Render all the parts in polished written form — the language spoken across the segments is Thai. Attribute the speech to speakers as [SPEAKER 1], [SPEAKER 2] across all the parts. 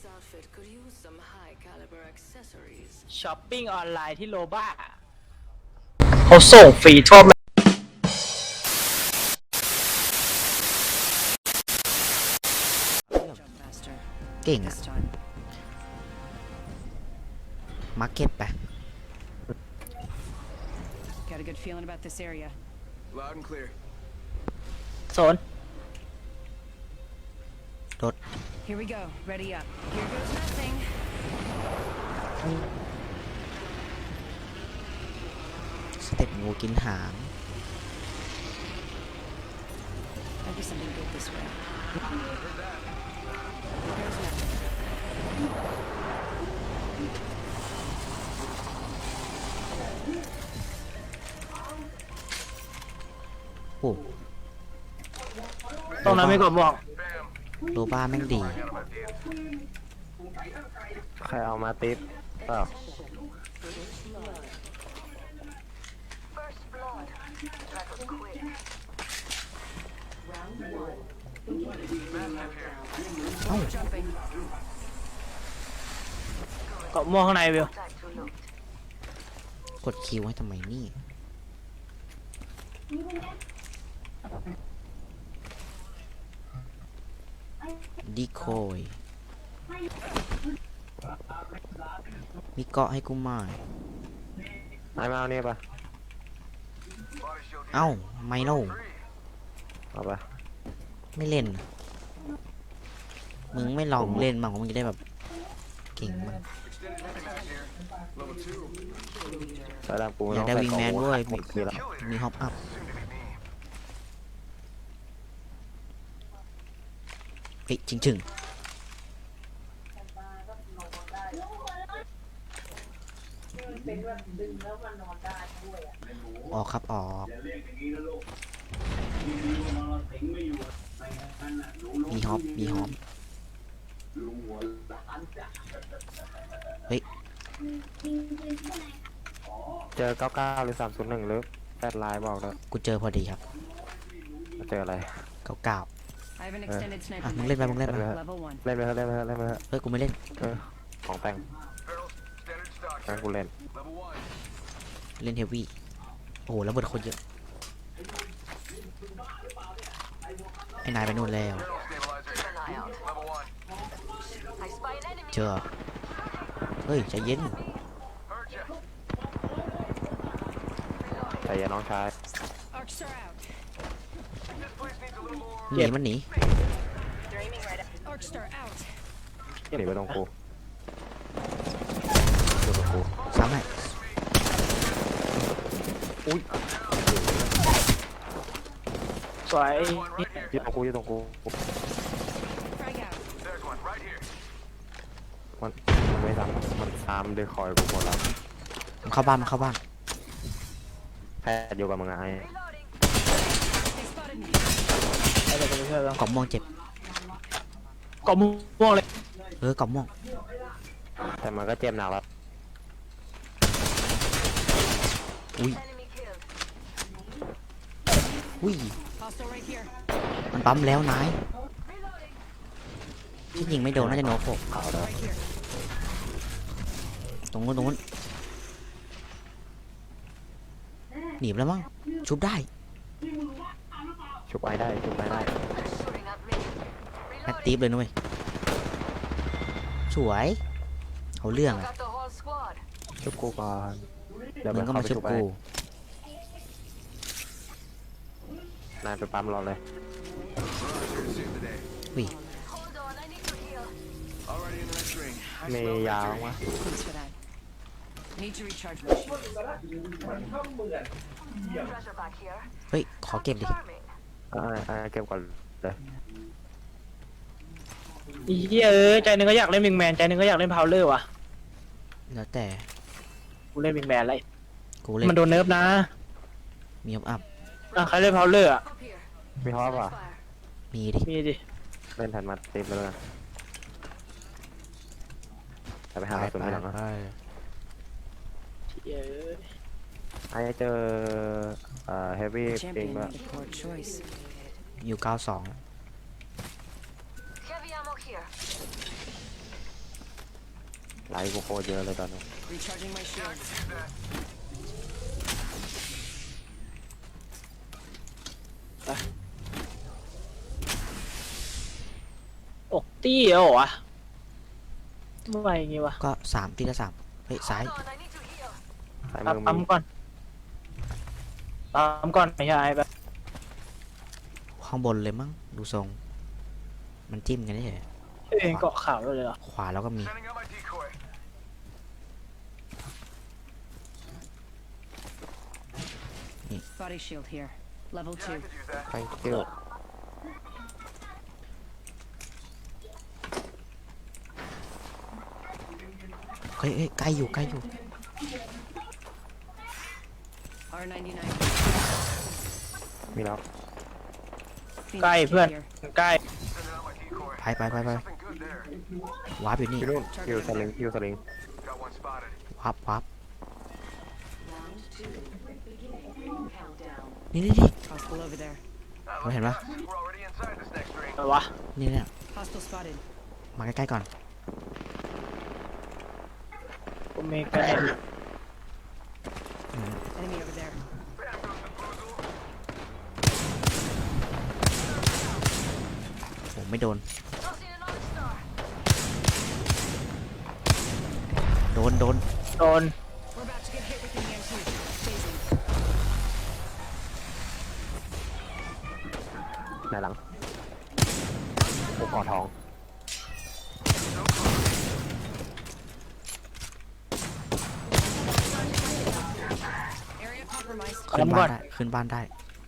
[SPEAKER 1] ช้อปปิ้งออนไลน์ที่โลบ้าเขาส่งฟรีทั่ว
[SPEAKER 2] เก่งอะมาร์เก็ตไป
[SPEAKER 3] Got a good feeling about this area.
[SPEAKER 4] Loud and clear.
[SPEAKER 1] โซน
[SPEAKER 2] รถ
[SPEAKER 3] Here we go. Ready up. Here goes nothing.
[SPEAKER 2] สเต็ปงูกินหาง
[SPEAKER 3] Might be something good this way. Here goes nothing.
[SPEAKER 2] โอ้
[SPEAKER 1] ตรงนั้นไม่กดบอก
[SPEAKER 2] โลบ้าแม่งดี
[SPEAKER 5] ใครเอามาติปเปล่า
[SPEAKER 3] Jumping.
[SPEAKER 1] เกาะม่วงข้างในวิว
[SPEAKER 2] กดคิวให้ทำไมนี่ดีโคยมีเกาะให้กูไหม
[SPEAKER 5] ไอ้มาเอาเนี่ยปะ
[SPEAKER 2] เอ้าไม่เล่า
[SPEAKER 5] เอาปะ
[SPEAKER 2] ไม่เล่น มึงไม่ลองเล่นมั่งมึงจะได้แบบเก่งมั้ง
[SPEAKER 5] ใส่ดำกู
[SPEAKER 2] อยากได้วิงแมนด้วย
[SPEAKER 5] หมดทีละ
[SPEAKER 2] มีฮอปอัพเฮ้ยจริงออกครับออกมีฮอปเฮ้ย
[SPEAKER 5] เจอ99หรือ301หรือ8ลายบอกเลย
[SPEAKER 2] กูเจอพอดีครับ
[SPEAKER 5] เจออะไร
[SPEAKER 2] 99
[SPEAKER 3] I have an extended
[SPEAKER 2] อ่ะ
[SPEAKER 3] sniper.
[SPEAKER 2] มึงเล่นไปมึงเล่นไป
[SPEAKER 3] Level 1.
[SPEAKER 5] เล่นไปเถอะเล่นไปเถอะเล่นไปเถอะ
[SPEAKER 2] เฮ้ยกูไม่เล่น
[SPEAKER 5] ของแต่งงั้นกูเล่น
[SPEAKER 2] เล่นเฮฟวี่โอ้โหแล้วเบิดคนเยอะไอ้นายไปนู่นแล้วเจอเฮ้ยใจเย็น
[SPEAKER 5] แต่อย่าน้องชาย
[SPEAKER 3] Arc star out.
[SPEAKER 2] หนีมันหนี
[SPEAKER 3] Arc star out.
[SPEAKER 5] หนีไปตรงกูอยู่ตรงกู
[SPEAKER 2] ซ้ำให้
[SPEAKER 1] สวย
[SPEAKER 5] อยู่ตรงกูอยู่ตรงกู
[SPEAKER 3] Frag out.
[SPEAKER 5] มันไม่ทำมันตามด้วยคอยกูหมดแล้ว
[SPEAKER 2] มันเข้าบ้าน
[SPEAKER 5] แพทย์อยู่กับมึงไง
[SPEAKER 3] They spotted me.
[SPEAKER 1] ไปเลยไปช่วยแล้ว
[SPEAKER 2] กล่องม่วงเจ็บ
[SPEAKER 1] เกาะม่วงเลย
[SPEAKER 2] กล่องม่วง
[SPEAKER 5] แต่มันก็เจ็บหนักแล้ว
[SPEAKER 2] อุ้ย
[SPEAKER 3] Hostile right here.
[SPEAKER 2] มันปั๊มแล้วนายที่ยิงไม่โดนน่าจะโนโฟก
[SPEAKER 3] Hostile right here.
[SPEAKER 2] ตรงนู้นหนีบแล้วมั้งชุบได้
[SPEAKER 5] ชุบไอ้ได้ชุบไอ้ได้
[SPEAKER 2] แอคทีฟเลยนุ้ยสวยเอาเรื่องอะ
[SPEAKER 5] ชุบกูก่อนเดี๋ยว
[SPEAKER 2] มึงก็มาชุบกู
[SPEAKER 5] นายไปปั๊มรอเลย
[SPEAKER 2] วิ
[SPEAKER 5] มียาวมั้ย
[SPEAKER 3] Thanks for that. Need to recharge my shield.
[SPEAKER 2] เฮ้ยขอเก็บดิ
[SPEAKER 5] เก็บก่อนเลย
[SPEAKER 1] อีเหี้ยใจหนึงก็อยากเล่นวิงแมนใจหนึงก็อยากเล่นพาวเลอร์ว่ะ
[SPEAKER 2] แล้วแต่
[SPEAKER 1] กูเล่นวิงแมนอะไร
[SPEAKER 2] กูเล่น
[SPEAKER 1] มันโดนเนิร์ฟนะ
[SPEAKER 2] มีฮอปอัพ
[SPEAKER 1] อ่ะใครเล่นพาวเลอร์อ่ะ
[SPEAKER 5] มีฮอปป่ะ
[SPEAKER 2] มีดิ
[SPEAKER 1] มีดิ
[SPEAKER 5] เล่นแทนมาติปไปแล้วกันจะไปหาตัวนี้หลังนะ
[SPEAKER 1] เหี้ย
[SPEAKER 5] ไอ้เจอเฮฟวี่
[SPEAKER 3] The
[SPEAKER 5] ปิง
[SPEAKER 3] champion
[SPEAKER 5] ด้วย
[SPEAKER 3] made a poor choice.
[SPEAKER 2] อยู่92
[SPEAKER 5] ไลท์กูโคตรเยอะเลยตอนนี้
[SPEAKER 3] Recharging my shields.
[SPEAKER 1] อกตี้เหรอวะเมื่อไหร่อย่างงี้วะ
[SPEAKER 2] ก็สามทีละสามเฮ้ยซ้าย
[SPEAKER 5] ซ้าย
[SPEAKER 1] ปั๊
[SPEAKER 5] มื
[SPEAKER 1] ม
[SPEAKER 5] อ
[SPEAKER 1] ปั๊ม
[SPEAKER 5] มี
[SPEAKER 1] ก่อนปั๊มก่อนไม่ใช่แบบ
[SPEAKER 2] ข้างบนเลยมั้งดูทรง มันจิ้มกันได้เฉย
[SPEAKER 1] เองเกาะขาวเลยเหรอ
[SPEAKER 2] ขวาแล้วก็มี
[SPEAKER 3] Body shield here. Level 2.
[SPEAKER 5] ไปเที่ยว
[SPEAKER 2] เฮ้ยใกล้อยู่ใกล้อยู่
[SPEAKER 3] R99.
[SPEAKER 5] มีแล้ว
[SPEAKER 3] Phoenix
[SPEAKER 1] ใกล้
[SPEAKER 3] kit
[SPEAKER 1] เพื่อน
[SPEAKER 3] here.
[SPEAKER 1] ใกล้
[SPEAKER 2] ไปวาร์ปอยู่นี่
[SPEAKER 5] พี่รุ่นฮิวสลิงฮิวสลิง
[SPEAKER 2] วาร์ปนี่
[SPEAKER 3] Hostile over there.
[SPEAKER 2] เราเห็นปะ
[SPEAKER 1] แต่วะ
[SPEAKER 2] นี่เนี่ย
[SPEAKER 3] Hostile spotted.
[SPEAKER 2] มาใกล้ๆก่อน
[SPEAKER 1] กูมีกระเด็น
[SPEAKER 3] Enemy over there.
[SPEAKER 2] ผมไม่โดน โดน
[SPEAKER 1] โดน
[SPEAKER 3] We're about to get hit with the EMP. Phasing.
[SPEAKER 5] ในหลังโอ้กอดทอง
[SPEAKER 3] Area compromised.
[SPEAKER 2] ขึ้น
[SPEAKER 1] ก่
[SPEAKER 2] บ้า
[SPEAKER 1] อน
[SPEAKER 2] นได้ ขึ้นบ้านได้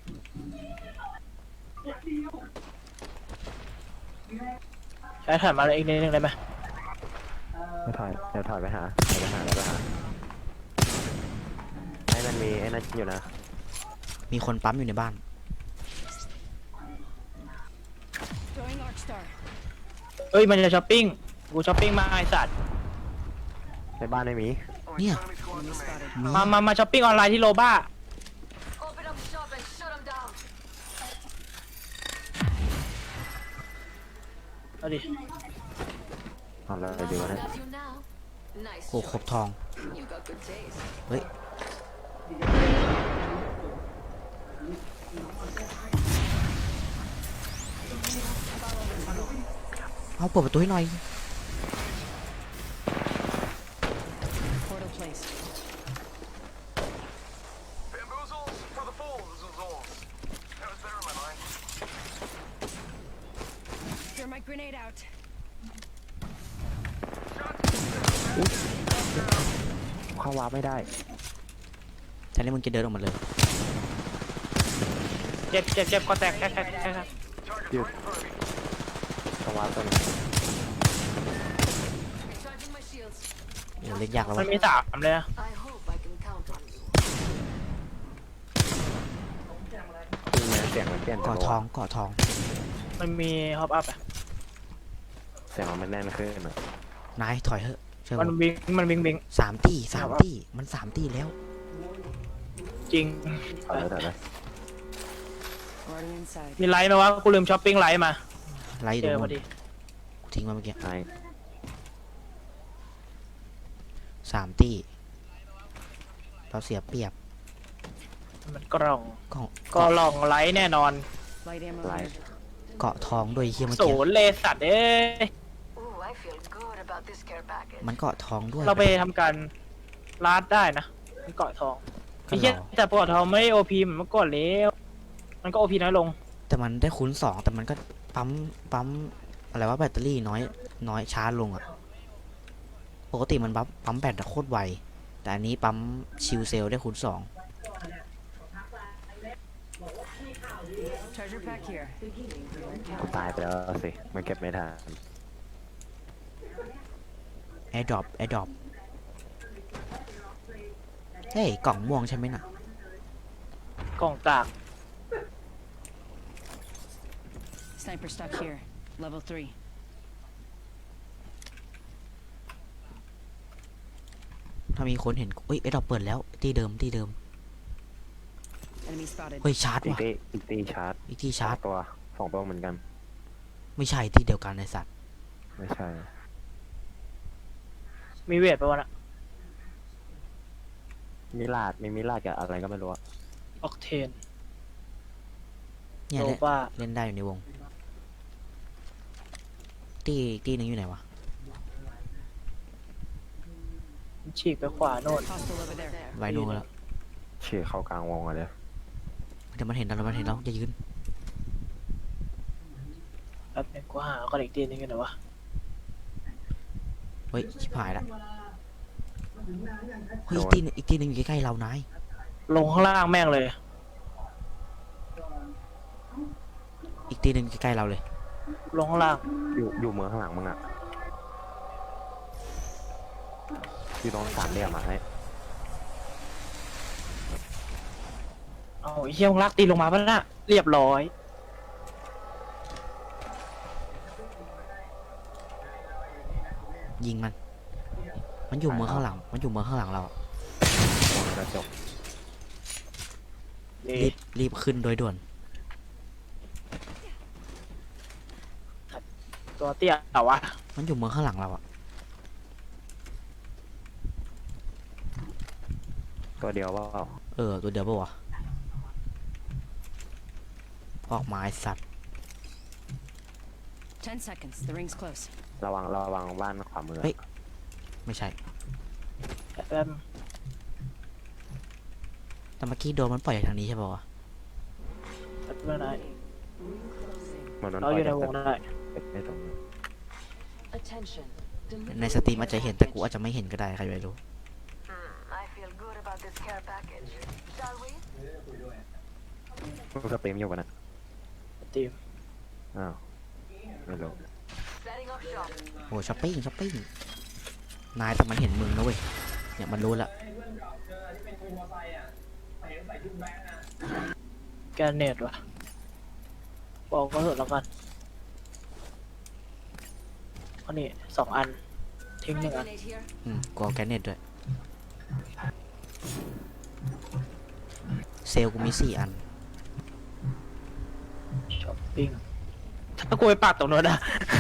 [SPEAKER 1] ใช้ถ่ายมาเลยอีกนิดนึงได้ไหม
[SPEAKER 5] ไม่ถอยเดี๋ยวถอยไปหาให้มันมีไอ้นั่นอยู่นะ
[SPEAKER 2] มีคนปั๊มอยู่ในบ้าน
[SPEAKER 3] Going Arcstar.
[SPEAKER 1] เอ้ยมันจะช้อปปิ้งกูช้อปปิ้งมาไอสัตว์
[SPEAKER 5] ในบ้านไม่มี
[SPEAKER 2] เนี่ย
[SPEAKER 3] Enemy spotted.
[SPEAKER 2] มี
[SPEAKER 1] มาช้อปปิ้งออนไลน์ที่โลบ้า
[SPEAKER 4] Open up shop and shut them down.
[SPEAKER 1] เอาดิ
[SPEAKER 5] เอาเลยดีกว่านะ
[SPEAKER 4] Got you now. Nice
[SPEAKER 2] โอ้ครบ
[SPEAKER 4] choice.
[SPEAKER 2] ทอง
[SPEAKER 4] You got good taste.
[SPEAKER 2] เฮ้ย เอาเปิดประตูให้หน่อย
[SPEAKER 3] Portal placed.
[SPEAKER 6] Bamboozles for the fools. That was better in my mind.
[SPEAKER 3] Thermite grenade out.
[SPEAKER 5] เข้าวาร์ปไม่ได้
[SPEAKER 2] แต่นี่มึงจะเดินออกมาเลย
[SPEAKER 1] เจ็บก็แตกแค่
[SPEAKER 6] Target's
[SPEAKER 5] Dude.
[SPEAKER 6] right in front of me.
[SPEAKER 5] ต้องวาร์ปตัวนี้
[SPEAKER 4] Recharging my shields.
[SPEAKER 2] โอ้เล่นยากแล้ว
[SPEAKER 1] มั
[SPEAKER 2] วะ
[SPEAKER 1] นมี3เลยนะ
[SPEAKER 4] I hope I can count on you.
[SPEAKER 5] คือแม้เสียงมันเปลี่ยน
[SPEAKER 2] เกาะทองเกาะทอง
[SPEAKER 1] มันมีฮอปอัพอ่ะ
[SPEAKER 5] เสียงมันแน่นขึ้นอ่ะ
[SPEAKER 2] นายถอยเถอะเชื่อ
[SPEAKER 1] มัน
[SPEAKER 2] ผม
[SPEAKER 1] วิ่ง
[SPEAKER 2] สามตี้มันสามตี้แล้ว
[SPEAKER 1] จริง
[SPEAKER 5] เอาเลย
[SPEAKER 3] Already inside.
[SPEAKER 1] มีไลท์ไหมวะกูลืมช้อปปิ้งไลท์มา
[SPEAKER 2] ไล่
[SPEAKER 1] เจ
[SPEAKER 2] ดู
[SPEAKER 1] อพ
[SPEAKER 2] มั
[SPEAKER 1] อน ดี
[SPEAKER 2] กูทิ้งมาเมื่อกี้
[SPEAKER 5] ไอ้
[SPEAKER 2] สามตี้ เราเสียเปรียบ
[SPEAKER 1] มันกล่อง
[SPEAKER 2] เกาะ
[SPEAKER 1] ก็ลองไลท์แน่นอน
[SPEAKER 3] Light ammo
[SPEAKER 5] ไล
[SPEAKER 3] here.
[SPEAKER 5] ท์
[SPEAKER 2] เกาะทองด้วยเฮียเมื่อ
[SPEAKER 1] ศู
[SPEAKER 2] กี้
[SPEAKER 1] นย์เลยสัตว์เอ้ย
[SPEAKER 4] Ooh, I feel good about this care package.
[SPEAKER 2] มันเกาะทองด้วย
[SPEAKER 1] เราไปทำการลาดได้นะมันเกาะทอง
[SPEAKER 2] ก็
[SPEAKER 1] ไอ้เหี้ย
[SPEAKER 2] เรา
[SPEAKER 1] แต่เกาะทองไม่ได้โอพีเหมือนเมื่อก่อนแล้วมันก็โอพีน้อยลง
[SPEAKER 2] แต่มันได้คูณสองแต่มันก็ปั๊มอะไรว่าแบตเตอรี่น้อยช้าลงอะปกติมันปั๊มแบตอะโคตรไว แต่อันนี้ปั๊มชิลเซลได้คูณสอง
[SPEAKER 3] Treasure pack here.
[SPEAKER 5] กูตายไปแล้วสิมันเก็บไม่ทัน
[SPEAKER 2] แอร์ดรอปเฮ้ยกล่องม่วงใช่ไหมน่ะ
[SPEAKER 1] กล่องตาก
[SPEAKER 3] Sniper stock here. Level 3.
[SPEAKER 2] ถ้ามีคนเห็นเอ้ยแอร์ดรอปเปิดแล้วที่เดิม
[SPEAKER 3] Enemy spotted.
[SPEAKER 2] เฮ้ยชาร์จ
[SPEAKER 5] อีก
[SPEAKER 2] ว่ะ
[SPEAKER 5] ตีชาร์จ
[SPEAKER 2] อีกที่ชาร์จ
[SPEAKER 5] สองตัวเหมือนกัน
[SPEAKER 2] ไม่ใช่ที่เดียวกันไอสัตว์
[SPEAKER 5] ไม่ใช่
[SPEAKER 1] มีเวทไปะวะน่ะ
[SPEAKER 5] มิลาดมีมิลาดกับอะไรก็ไม่รู้อะ
[SPEAKER 1] ออกเทน
[SPEAKER 2] เนี่ย
[SPEAKER 1] โล
[SPEAKER 2] เล่น
[SPEAKER 1] บ้า
[SPEAKER 2] เล่นได้อยู่ในวง ตีหนึ่งอยู่ไหนวะ
[SPEAKER 1] ฉีกไปขวาโน่น
[SPEAKER 3] Hostile over there.
[SPEAKER 2] ไวโนแล้ว
[SPEAKER 5] เฉียเข้ากลางวงอะเลย
[SPEAKER 2] เดี๋ยวมันเห็นเราแล้วมันเห็นเราจะยืน
[SPEAKER 1] แป๊บนึงกูหาก่อนอีกทีนึงกันหน่อยวะ
[SPEAKER 2] เฮ้ยชิบหายละเฮ้ยอีกตีหนึ่งอยู่ใกล้ๆเรานาย
[SPEAKER 1] ลงข้างล่างแม่งเลย
[SPEAKER 2] อีกตีหนึ่งอยู่ใกล้ๆเราเลย
[SPEAKER 1] ลงข้างล่าง
[SPEAKER 5] อยู่เมืองข้างหลังมึงอะอยู่ตรงสามเหลี่ยมอะให้
[SPEAKER 1] เอาไอ้เหี้ยมึงลากตีนลงมาปะน่ะเรียบร้อย
[SPEAKER 2] ยิงมัน มันอยู่เมืองข้างหลัง มันอยู่เมืองข้างหลังเราอะ
[SPEAKER 5] ตรงกระจก
[SPEAKER 2] รีบขึ้นโดยด่วน
[SPEAKER 1] ตัวเตี้ยเอาวะ
[SPEAKER 2] มันอยู่เมืองข้างหลังเราอะ
[SPEAKER 5] ตัวเดียวว่า
[SPEAKER 2] ตัวเดียวปะวะออกมาไอสัตว์
[SPEAKER 3] 10 seconds. The ring's close.
[SPEAKER 5] ระวังบ้านขวามือ
[SPEAKER 2] เฮ้ย ไม่ใช่
[SPEAKER 1] แป๊บ
[SPEAKER 2] แต่เมื่อกี้โดนมันปล่อยจากทางนี้ใช่ปะวะ
[SPEAKER 1] แป๊บนึงนะ
[SPEAKER 5] เหมือนมัน
[SPEAKER 1] เราอยู่ในวง
[SPEAKER 5] ปล่
[SPEAKER 1] ได้
[SPEAKER 5] ไม่ตรงนี้
[SPEAKER 4] Attention.
[SPEAKER 2] ในสตรีมอาจจะเห็นแต่กูอาจจะไม่เห็นก็ได้ใครจะไปรู้
[SPEAKER 4] I feel good about this care package. Shall we?
[SPEAKER 5] มึงสตรีมอยู่ปะนะ
[SPEAKER 1] ตีม
[SPEAKER 5] อ้าวไม่รู้
[SPEAKER 4] Setting up shop.
[SPEAKER 2] โอ้ช้อปปิ้งนายแต่มันเห็นมึงนะเว้ยเนี่ยมันรู้ละ
[SPEAKER 1] แกนเนตวะบอกก็เถอะแล้วกันอันนี้2 อัน ทิ้ง 1 อัน
[SPEAKER 4] Grenade here.
[SPEAKER 2] กูเอาแกนเน็ตด้วย เซลลกูมี4 อัน
[SPEAKER 1] ช้อปปิ้ง ถ้ากูไปปากตรงโน้นอะ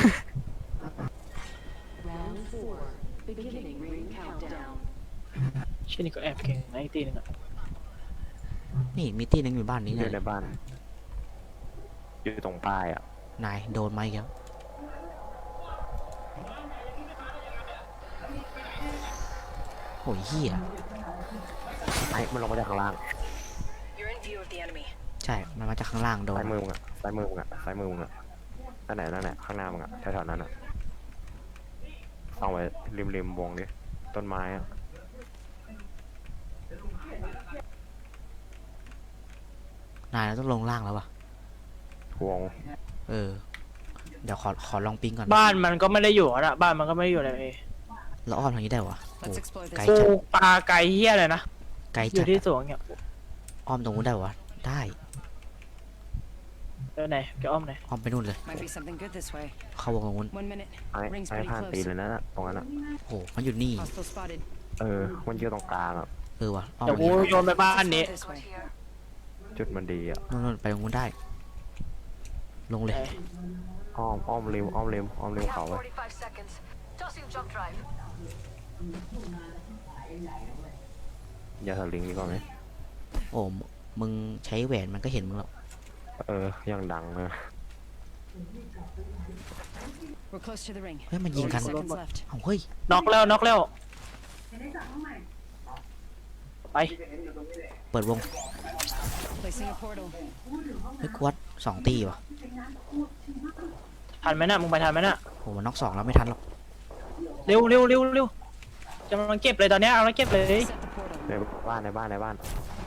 [SPEAKER 4] Round 4. Beginning ring countdown.
[SPEAKER 1] ชื่อนี่ก็แอบเก่งนะอีกตีหนึงอะ
[SPEAKER 2] นี่มีตีหนึงอยู่บ้านนี้
[SPEAKER 5] อ
[SPEAKER 2] เนี่
[SPEAKER 5] ยู่ใน
[SPEAKER 2] ย
[SPEAKER 5] บ้าน อยู่ตรงป้ายอะ
[SPEAKER 2] นายโดนไหมครับโอ้ยเหี้ย
[SPEAKER 5] ไอ้มันลงมาจากข้างล่าง
[SPEAKER 3] You're in view of the enemy.
[SPEAKER 2] ใช่ มันมาจากข้างล่างโดน
[SPEAKER 5] ซ้ายมือมึงอะซ้ายมือมึงอะซ้ายมือมึงอะนั่นไหนข้างหน้ามึงอะแถวๆนั้นอะเอาไว้ริมวงดิต้นไม้อะ
[SPEAKER 2] นายเราต้องลงล่างแล้ววะ
[SPEAKER 5] วง
[SPEAKER 2] เออ เดี๋ยวขอลองปิ้งก่อน
[SPEAKER 1] บ้านมันก็ไม่ได้อยู่อะบ้านมันก็ไม่ได้อยู่ในเอ
[SPEAKER 2] แล้วอ้อมทางนี้ได้วะโอ้
[SPEAKER 3] Let's explore
[SPEAKER 2] ไกล
[SPEAKER 3] this.
[SPEAKER 1] กู
[SPEAKER 2] จัด
[SPEAKER 1] ปลาไก่เฮี้ยเลยนะ
[SPEAKER 2] ไกล
[SPEAKER 1] อ
[SPEAKER 2] จั
[SPEAKER 1] ยู่
[SPEAKER 2] ด
[SPEAKER 1] ที่
[SPEAKER 2] อะ
[SPEAKER 1] สวนเนี่ย
[SPEAKER 2] อ้อมตรงนู้นได้วะได้
[SPEAKER 1] ไปไหนจะอ้อมไหน
[SPEAKER 2] อ้อมไปนู่นเลย
[SPEAKER 3] Might be something good this way.
[SPEAKER 2] เข้าวงตรงนู้น
[SPEAKER 3] 1 minute.
[SPEAKER 5] ไอ้
[SPEAKER 3] Ring's
[SPEAKER 5] ไอ้
[SPEAKER 3] pretty
[SPEAKER 5] ผ่านตีน
[SPEAKER 3] close.
[SPEAKER 5] เลยนะตรงนั้นอะ
[SPEAKER 2] โอ้มันอยู่นี่
[SPEAKER 3] Hostile spotted.
[SPEAKER 5] มันอยู่ตรงกลางอะ
[SPEAKER 2] เออวะอ้อม
[SPEAKER 1] เดี๋ยว
[SPEAKER 2] ไป
[SPEAKER 1] กู
[SPEAKER 2] นี่
[SPEAKER 1] โยนไปบ้านนี้
[SPEAKER 3] This way.
[SPEAKER 4] Here.
[SPEAKER 5] จุดมันดีอะ
[SPEAKER 2] นู่นไปตรงนู้นได้ ลงเลย
[SPEAKER 5] อ้อมริม
[SPEAKER 4] We
[SPEAKER 5] เขา
[SPEAKER 4] have
[SPEAKER 5] ไว้
[SPEAKER 4] 45 seconds. Tossing jump drive.
[SPEAKER 5] อย่าถลิงดีกว่าไหม
[SPEAKER 2] โอ้มึงใช้แหวนมันก็เห็นมึงแล้ว
[SPEAKER 5] ยังดังเลย
[SPEAKER 3] We're close to the ring.
[SPEAKER 2] เฮ้ยมันยิงกัน
[SPEAKER 3] 10 seconds left.
[SPEAKER 2] เอ้าเฮ้ย
[SPEAKER 1] น็อกแล้วไป
[SPEAKER 2] เปิดวง
[SPEAKER 3] Placing a portal.
[SPEAKER 2] เฮ้ยกวด2 ตีวะ
[SPEAKER 1] ทันไหมน่ะมึงไปทันไหมน่ะ
[SPEAKER 2] โหมันน็อก2แล้วไม่ทันหรอก
[SPEAKER 1] เร็วจะมันเก็บเลยตอนเนี้ยเอาแล้วเก็บเลย
[SPEAKER 3] Set the portal.
[SPEAKER 5] ในบ้าน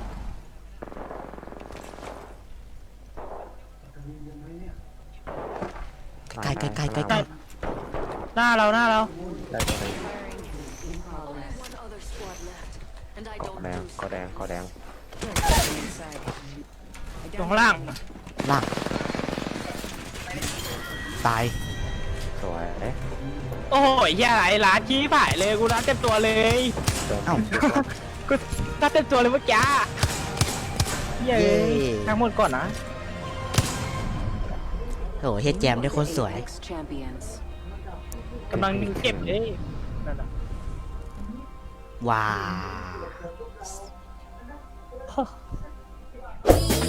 [SPEAKER 2] ใกล้
[SPEAKER 1] หน้าเรา
[SPEAKER 5] ได้ตัวหนึ่ง
[SPEAKER 3] Firing.
[SPEAKER 4] One other squad left. And I don't
[SPEAKER 5] แดง
[SPEAKER 4] lose.
[SPEAKER 5] ก็แดง
[SPEAKER 3] Inside. I
[SPEAKER 1] ตรง
[SPEAKER 3] downed
[SPEAKER 1] ล่าง
[SPEAKER 3] the enemy.
[SPEAKER 2] ล่าง ตาย
[SPEAKER 5] สวย
[SPEAKER 1] โอ้ยแย่ไรร้านชี้ผ่ายเลยกูร้านเต็มตัวเลย
[SPEAKER 2] เอ้า
[SPEAKER 1] กูร้านเต็มตัวเลยเมื่อกี้เย้ทั้งหมดก่อนนะ
[SPEAKER 2] โอ้โหเฮดแจมได้โคนสวย
[SPEAKER 4] Apex champions.
[SPEAKER 1] กำลังเก็บเลยนั่นน่ะ
[SPEAKER 2] ว้าว